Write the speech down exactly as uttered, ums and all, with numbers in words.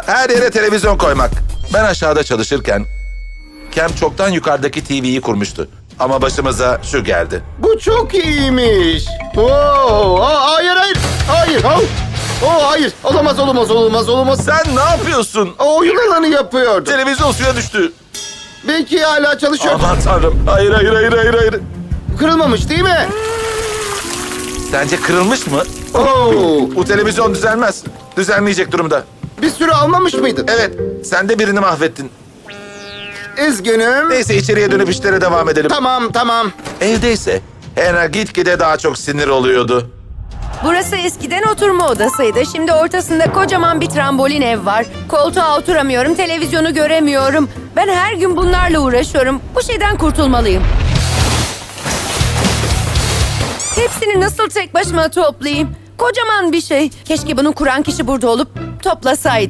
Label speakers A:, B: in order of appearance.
A: her yere televizyon koymak. Ben aşağıda çalışırken Kem çoktan yukarıdaki T V'yi kurmuştu. Ama başımıza şu geldi.
B: Bu çok iyiymiş. Oo, aa, hayır hayır. Hayır. Oh, oh, hayır. Olamaz olamaz olamaz olamaz.
A: Sen ne yapıyorsun?
B: O oyun alanı yapıyordu.
A: Televizyon suya düştü.
B: Belki hala çalışıyor.
A: Aman tanrım. Hayır hayır hayır hayır hayır.
B: Kırılmamış değil mi?
A: Sence kırılmış mı?
B: Oo,
A: Bu televizyon düzelmez. Düzelmeyecek durumda.
B: bir sürü almamış mıydın?
A: Evet, sen de birini mahvettin.
B: Üzgünüm.
A: Neyse içeriye dönüp işlere devam edelim.
B: Tamam tamam.
A: Evdeyse Hannah gitgide daha çok sinir oluyordu.
C: Burası eskiden oturma odasıydı. Şimdi ortasında kocaman bir trambolin ev var. Koltuğa oturamıyorum, televizyonu göremiyorum. Ben her gün bunlarla uğraşıyorum. Bu şeyden kurtulmalıyım. Hepsini nasıl tek başıma toplayayım? Kocaman bir şey. Keşke bunu kuran kişi burada olup toplasaydı.